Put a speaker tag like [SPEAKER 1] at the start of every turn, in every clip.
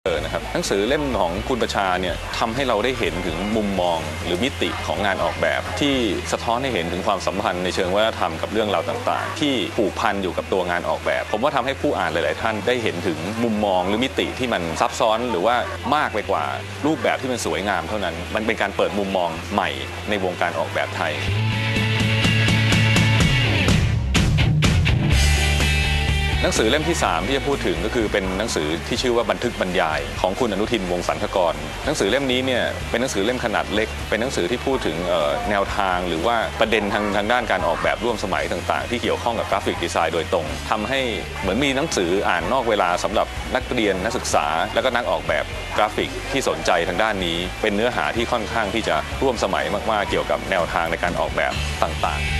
[SPEAKER 1] นะครับหนังสือเล่มของคุณประชาเนี่ยทำให้เราได้เห็นถึงมุมมองหรือมิติของงานออกแบบที่สะท้อนให้เห็นถึงความสัมพันธ์ในเชิงวัฒนธรรมกับเรื่องราวต่างๆที่ผูกพันอยู่กับตัวงานออกแบบผมว่าทำให้ผู้อ่านหลายๆท่านได้เห็นถึงมุมมองหรือมิติที่มันซับซ้อนหรือว่ามากไปกว่ารูปแบบที่มันสวยงามเท่านั้นมันเป็นการเปิดมุมมองใหม่ในวงการออกแบบไทยหนังสือเล่มที่3ที่จะพูดถึงก็คือเป็นหนังสือที่ชื่อว่าบันทึกบรรยายของคุณอนุทินวงศ์สันทกรหนังสือเล่มนี้เนี่ยเป็นหนังสือเล่มขนาดเล็กเป็นหนังสือที่พูดถึงแนวทางหรือว่าประเด็นทางด้านการออกแบบร่วมสมัยต่างๆที่เกี่ยวข้องกับกราฟิกดีไซน์โดยตรงทำให้เหมือนมีหนังสืออ่านนอกเวลาสำหรับนักเรียนนักศึกษาแล้วก็นักออกแบบกราฟิกที่สนใจทางด้านนี้เป็นเนื้อหาที่ค่อนข้างที่จะร่วมสมัยมากๆเกี่ยวกับแนวทางในการออกแบบต่างๆ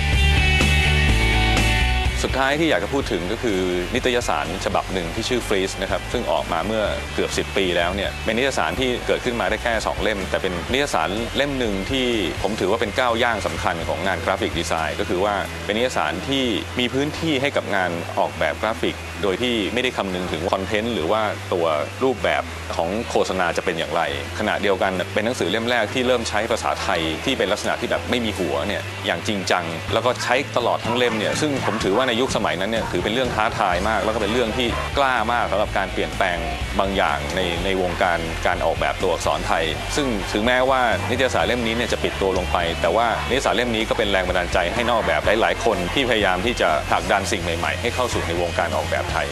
[SPEAKER 1] สุดท้ายที่อยากจะพูดถึงก็คือนิตยสารฉบับหนึ่งที่ชื่อฟรีซนะครับซึ่งออกมาเมื่อเกือบ10 ปีแล้วเนี่ยเป็นนิตยสารที่เกิดขึ้นมาได้แค่2เล่มแต่เป็นนิตยสารเล่มหนึ่งที่ผมถือว่าเป็นก้าวย่างสำคัญของงานกราฟิกดีไซน์ก็คือว่าเป็นนิตยสารที่มีพื้นที่ให้กับงานออกแบบกราฟิกโดยที่ไม่ได้คำนึงถึงคอนเทนต์หรือว่าตัวรูปแบบของโฆษณาจะเป็นอย่างไรขณะเดียวกันเป็นหนังสือเล่มแรกที่เริ่มใช้ภาษาไทยที่เป็นลักษณะที่แบบไม่มีหัวเนี่ยอย่างจริงจังแล้วก็ใช้ตลอดทั้งเล่มเนี่ยซึ่งผมถือว่าในยุคสมัยนั้นเนี่ยถือเป็นเรื่องท้าทายมากแล้วก็เป็นเรื่องที่กล้ามากสำหรับการเปลี่ยนแปลงบางอย่างในวงการออกแบบตัวอักษรไทยซึ่งถึงแม้ว่านิตยสารเล่มนี้เนี่ยจะปิดตัวลงไปแต่ว่านิตยสารเล่มนี้ก็เป็นแรงบันดาลใจให้นักออกแบบหลายๆคนที่พยายามที่จะผลักดันสิ่งใหม่ๆให้เข้าสู่ในวงการออกแบบไทย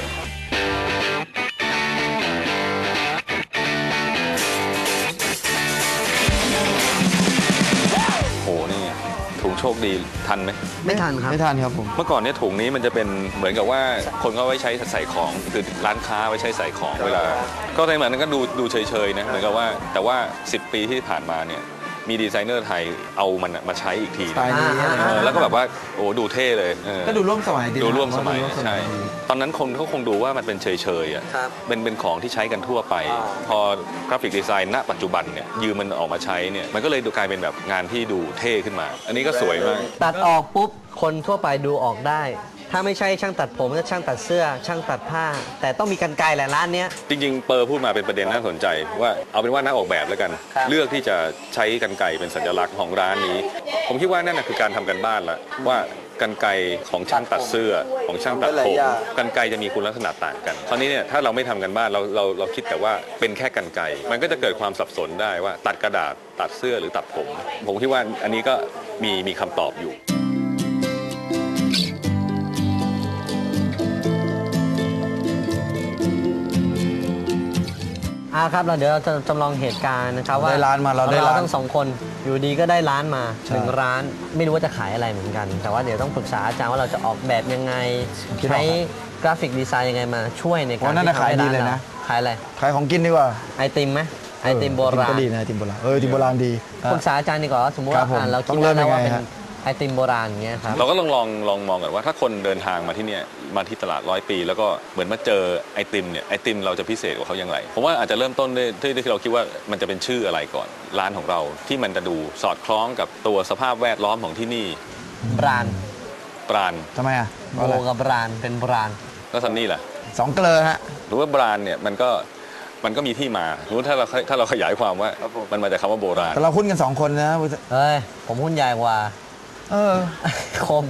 [SPEAKER 1] ถุงโชคดีทันไหม
[SPEAKER 2] ไม่ทันครับ
[SPEAKER 3] ไม่ทันครับผม
[SPEAKER 1] เมื่อก่อนเนี่ยถุงนี้มันจะเป็นเหมือนกับว่าคนเขาไว้ใช้ใส่ของคือร้านค้าไว้ใช้ใส่ของเวลาก็ในเหมือนนั้นก็ดูเฉยๆนะเหมือนกับว่าแต่ว่า10 ปีที่ผ่านมาเนี่ยมีดีไซเนอร์ไทยเอามันมาใช้อีกทีแล้วก็แบบว่าโอ้ดูเท่เลย
[SPEAKER 3] ก็ดูร่วมสมัย
[SPEAKER 1] ดูร่วมสมัยใช่ตอนนั้นคนเขาคงดูว่ามันเป็นเฉยๆอ่ะเป็นของที่ใช้กันทั่วไปพอกราฟิกดีไซน์ณปัจจุบันเนี่ยยืมมันออกมาใช้เนี่ยมันก็เลยดูกลายเป็นแบบงานที่ดูเท่ขึ้นมาอันนี้ก็สวยมาก
[SPEAKER 2] ตัดออกปุ๊บคนทั่วไปดูออกได้ถ้าไม่ใช่ช่างตัดผมก็ช่างตัดเสื้อช่างตัดผ้าแต่ต้องมีกรรไกรแหละร้านนี้
[SPEAKER 1] จริงๆเปอร์พูดมาเป็นประเด็นน่าสนใจว่าเอาเป็นว่านักออกแบบแล้วกันเลือกที่จะใช้กรรไกรเป็นสัญลักษณ์ของร้านนี้ผมคิดว่านั่นคือการทำกันบ้านละว่ากรรไกรของช่างตัดเสื้อของช่างตัดผมกรรไกรจะมีคุณลักษณะต่างกันคราวนี้เนี่ยถ้าเราไม่ทำกันบ้านเราคิดแต่ว่าเป็นแค่กรรไกรมันก็จะเกิดความสับสนได้ว่าตัดกระดาษตัดเสื้อหรือตัดผมคิดว่าอันนี้ก็มีคำตอบอยู่
[SPEAKER 2] ครับเราเดี๋ยวเราจะจำลองเหตุการณ์นะครับว่า
[SPEAKER 3] ได้ร้านมาเรา
[SPEAKER 2] ทั้ง2 คนอยู่ดีก็ได้ร้านมา1 ร้านไม่รู้ว่าจะขายอะไรเหมือนกันแต่ว่าเดี๋ยวต้องปรึกษาอาจารย์ว่าเราจะออกแบบยังไงใช้กราฟิกดีไซน์ยังไงมาช่วยในการ
[SPEAKER 3] ที่ทำให้ร้านเรา
[SPEAKER 2] ขายอะไร
[SPEAKER 3] ขายของกินดีกว่า
[SPEAKER 2] ไอติมไหมไอติมโบราณ
[SPEAKER 3] ก็ดีนะไอติมโบราณไอติมโบราณดี
[SPEAKER 2] ปรึกษาอาจารย์ดีกว่าสมมติว่าเราคิดว่าเป็นไอติมโบราณอย่างเงี้ยครับ
[SPEAKER 1] เราก็ลองมองกันว่าถ้าคนเดินทางมาที่เนี่ยมาที่ตลาด100 ปีแล้วก็เหมือนมาเจอไอติมเนี่ยไอติมเราจะพิเศษกว่าเขาอย่างไรผมว่าอาจจะเริ่มต้นด้วยที่เราคิดว่ามันจะเป็นชื่ออะไรก่อนร้านของเราที่มันจะดูสอดคล้องกับตัวสภาพแวดล้อมของที่นี่
[SPEAKER 2] บราน
[SPEAKER 3] ทำไมอ่ะ
[SPEAKER 2] โบกับบรานเป็นบราน
[SPEAKER 1] แล้วซันนี่ล่ะ
[SPEAKER 3] 2 เกลอฮะ
[SPEAKER 1] หรือว่าบรานเนี่ยมันก็มีที่มารู้ถ้าเราขยายความว่ามันมาจากคำว่าโบราณ
[SPEAKER 3] แต่เราหุ้นกัน2 คนนะ
[SPEAKER 2] เฮ้ยผมหุ้นใหญ่กว่าคม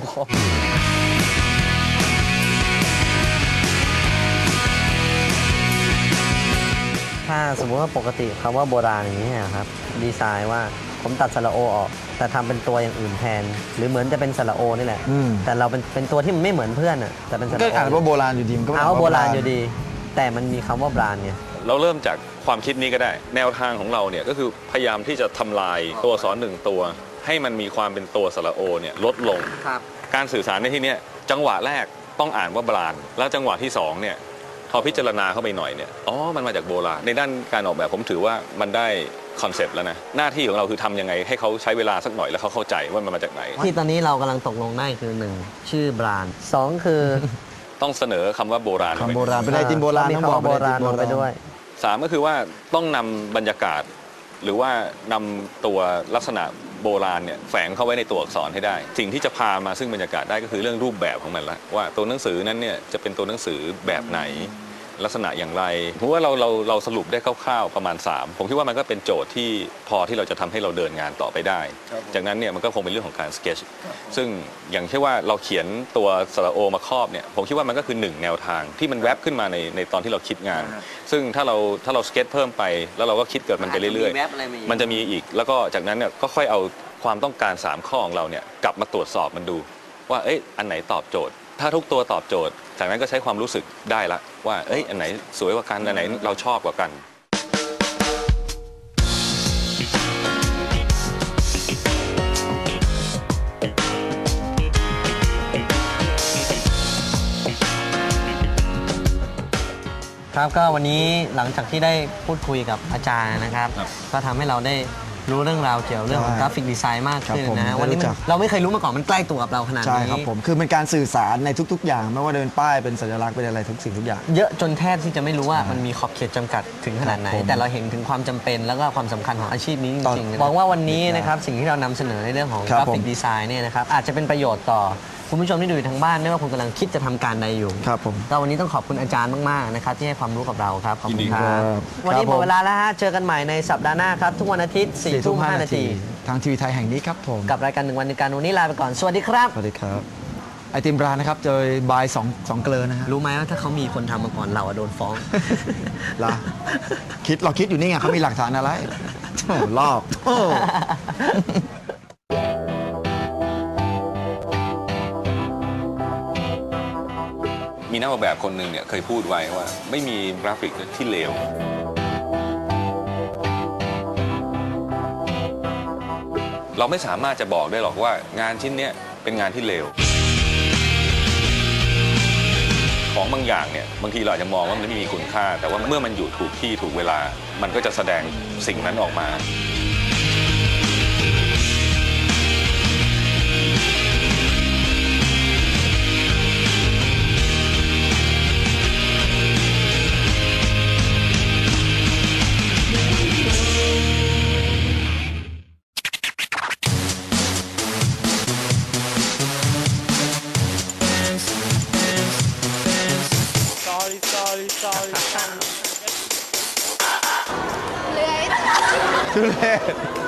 [SPEAKER 2] ถ้าสมมติว่าปกติคำว่าโบราณอย่างนี้ครับดีไซน์ว่าผมตัดสระโอออกแต่ทำเป็นตัวอย่างอื่นแทนหรือเหมือนจะเป็นสระโอนี่แหละแต่เราเป็นตัวที่มันไม่เหมือนเพื่อนแต่เป็นสระโอ
[SPEAKER 3] ก็อ่านว่าโบราณอยู่ดีมันก็
[SPEAKER 2] เอาโบราณอยู่ดีแต่มันมีคำว่าบรานเนี่ย
[SPEAKER 1] เราเริ่มจากความคิดนี้ก็ได้แนวทางของเราเนี่ยก็คือพยายามที่จะทำลายตัวอักษร1 ตัวให้มันมีความเป็นตัวสระโอเนี่ยลดลงการสื่อสารในที่นี้จังหวะแรกต้องอ่านว่าบรานแล้วจังหวะที่2เนี่ยพอพิจารณาเข้าไปหน่อยเนี่ยมันมาจากโบราณในด้านการออกแบบผมถือว่ามันได้คอนเซปต์แล้วนะหน้าที่ของเราคือทำยังไงให้เขาใช้เวลาสักหน่อยแล้วเขาเข้าใจว่ามันมาจากไหน
[SPEAKER 2] ที่ตอนนี้เรากำลังตกลงได้คือ1ชื่อบราน2คือ
[SPEAKER 1] ต้องเสนอคำว่าโบราณ
[SPEAKER 3] โบราณเป็นไอติมโบราณ
[SPEAKER 2] ต้องบอกโบราณลงไปด้วย
[SPEAKER 1] 3ก็คือว่าต้องนำบรรยากาศหรือว่านำตัวลักษณะโบราณเนี่ยแฝงเข้าไว้ในตัวอักษรให้ได้สิ่งที่จะพามาซึ่งบรรยากาศได้ก็คือเรื่องรูปแบบของมันละว่าตัวหนังสือนั้นเนี่ยจะเป็นตัวหนังสือแบบไหนลักษณะอย่างไรเพราะว่าเราสรุปได้คร่าวๆประมาณ 3ผมคิดว่ามันก็เป็นโจทย์ที่พอที่เราจะทำให้เราเดินงานต่อไปได้จากนั้นเนี่ยมันก็คงเป็นเรื่องของการสเก็ตซึ่งอย่างเช่นว่าเราเขียนตัวสระโอมาครอบเนี่ยผมคิดว่ามันก็คือ1แนวทางที่มันแวบขึ้นมาในตอนที่เราคิดงาน ซึ่งถ้าเราสเก็ตเพิ่มไปแล้วเราก็คิดเกิดมันไปเรื่อยๆมันจะมีอีกแล้วก็จากนั้นเนี่ยก็ค่อยเอาความต้องการ3ข้อของเราเนี่ยกลับมาตรวจสอบมันดูว่าอันไหนตอบโจทย์ถ้าทุกตัวตอบโจทย์จากนั้นก็ใช้ความรู้สึกได้ละว่าอันไหนสวยกว่ากันอันไหนเราชอบกว่ากัน
[SPEAKER 2] ครับก็วันนี้หลังจากที่ได้พูดคุยกับอาจารย์นะครับก็ทำให้เราได้รู้เรื่องราวเกี่ยวกับเรื่องของกราฟิกดีไซน์มากขึ้นนะวันนี้เราไม่เคยรู้มาก่อนมันใกล้ตัวกับเราขนาดนี้
[SPEAKER 3] ใช่ครับผมคือเป็นการสื่อสารในทุกๆ อย่างไม่ว่าเดินป้ายเป็นสัญลักษณ์เป็นอะไรทุกสิ่งทุกอย่าง
[SPEAKER 2] เยอะจนแทบที่จะไม่รู้ว่ามันมีขอบเขตจำกัดถึงขนาดไหนแต่เราเห็นถึงความจำเป็นแล้วก็ความสำคัญของอาชีพนี้จริงๆหวังว่าวันนี้นะครับสิ่งที่เรานำเสนอในเรื่องของกราฟิกดีไซน์เนี่ยนะครับอาจจะเป็นประโยชน์ต่อคุณผู้ชมที่ดูอยู่ทางบ้านไม่ว่าคุณกำลังคิดจะทำการใดอยู่
[SPEAKER 3] ครับผม
[SPEAKER 2] ก็วันนี้ต้องขอบคุณอาจารย์มากๆนะครับที่ให้ความรู้กับเราครับขอบคุณครั
[SPEAKER 3] บ
[SPEAKER 2] วันนี้หมดเวลาแล้วฮะเจอกันใหม่ในสัปดาห์หน้าครับทุกวันอาทิตย์ 4:05 น.
[SPEAKER 3] ทางทีวีไทยแห่งนี้ครับผม
[SPEAKER 2] กับรายการ1 วัน1 การวันนี้ลาไปก่อนสวัสดีครับ
[SPEAKER 3] สวัสดีครับไอติมร้านนะครับโดยบาย2เกลือนะฮะ
[SPEAKER 2] รู้ไหมว่าถ้าเขามีคนทำมาก่อนเราโดนฟ้อง
[SPEAKER 3] ล่ะเราคิดอยู่นี่ไงเขามีหลักฐานอะไรโอ้ลอก
[SPEAKER 1] มีนักออกแบบคนหนึ่งเนี่ยเคยพูดไว้ว่าไม่มีกราฟิกที่เลวเราไม่สามารถจะบอกได้หรอกว่างานชิ้นนี้เป็นงานที่เลวของบางอย่างเนี่ยบางทีเราอาจจะมองว่ามันไม่มีคุณค่าแต่ว่าเมื่อมันอยู่ถูกที่ถูกเวลามันก็จะแสดงสิ่งนั้นออกมา
[SPEAKER 3] ทุเรศ